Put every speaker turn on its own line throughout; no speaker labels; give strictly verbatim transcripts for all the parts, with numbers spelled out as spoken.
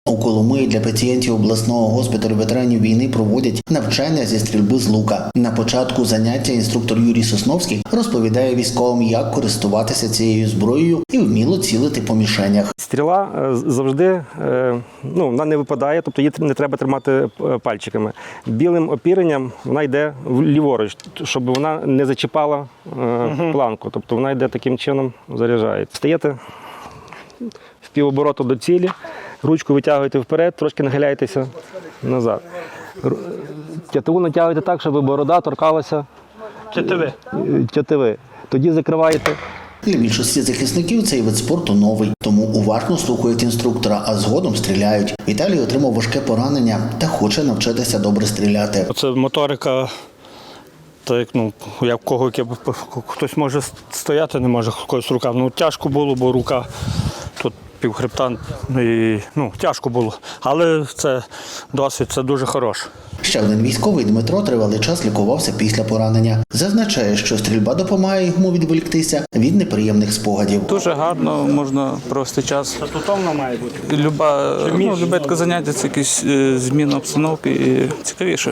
У Коломиї для пацієнтів обласного госпіталю ветеранів війни проводять навчання зі стрільби з лука. На початку заняття інструктор Юрій Сосновський розповідає військовим, як користуватися цією зброєю і вміло цілити по мішенях.
Стріла завжди, ну, вона не випадає, тобто її не треба тримати пальчиками. Білим опіренням вона йде ліворуч, щоб вона не зачіпала планку. Тобто вона йде таким чином, заряджається. Стаєте в півобороту до цілі, ручку витягуєте вперед, трошки нахиляєтеся назад. Тятиву натягуєте так, щоб борода торкалася
Тятиви.
тятиви. Тоді закриваєте.
Для більшості захисників цей вид спорту новий, тому уважно слухають інструктора, а згодом стріляють. Віталій отримав важке поранення та хоче навчитися добре стріляти.
Це моторика, так, ну, як кого, хтось може стояти, не може, когось рука. Ну, тяжко було, бо рука тут півхребта, і, ну, тяжко було. Але це досвід, це дуже хороше.
Ще один військовий, Дмитро, тривалий час лікувався після поранення. Зазначає, що стрільба допомагає йому відволіктися від неприємних спогадів.
Дуже гарно можна провести час.
Статутовно має бути.
Люба, ну, любе таке заняття, це якісь е, зміна обстановки і цікавіше.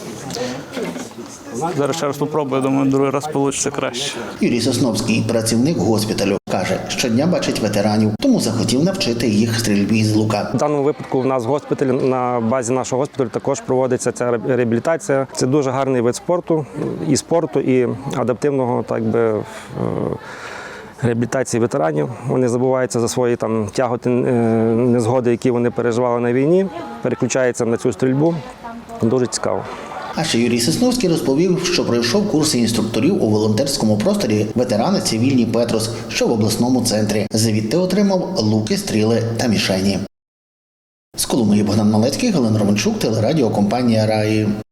Зараз ще раз спробую, думаю, другий раз вийде краще.
Юрій Сосновський, працівник госпіталю, каже, щодня бачить ветеранів, тому захотів навчити їх стрільбі з лука.
В даному випадку в нас в госпіталі, на базі нашого госпіталю також проводиться ця реабілітація. Це дуже гарний вид спорту, і спорту, і адаптивного, так би, реабілітації ветеранів. Вони забуваються за свої там тяготи, незгоди, які вони переживали на війні, переключаються на цю стрільбу. Дуже цікаво.
А ще Юрій Сосновський розповів, що пройшов курси інструкторів у волонтерському просторі ветерани цивільні Петрос, що в обласному центрі. Звідти отримав луки, стріли та мішені. З Коломиї Богдан Малецький, Галина Романчук, телерадіокомпанія «Раї».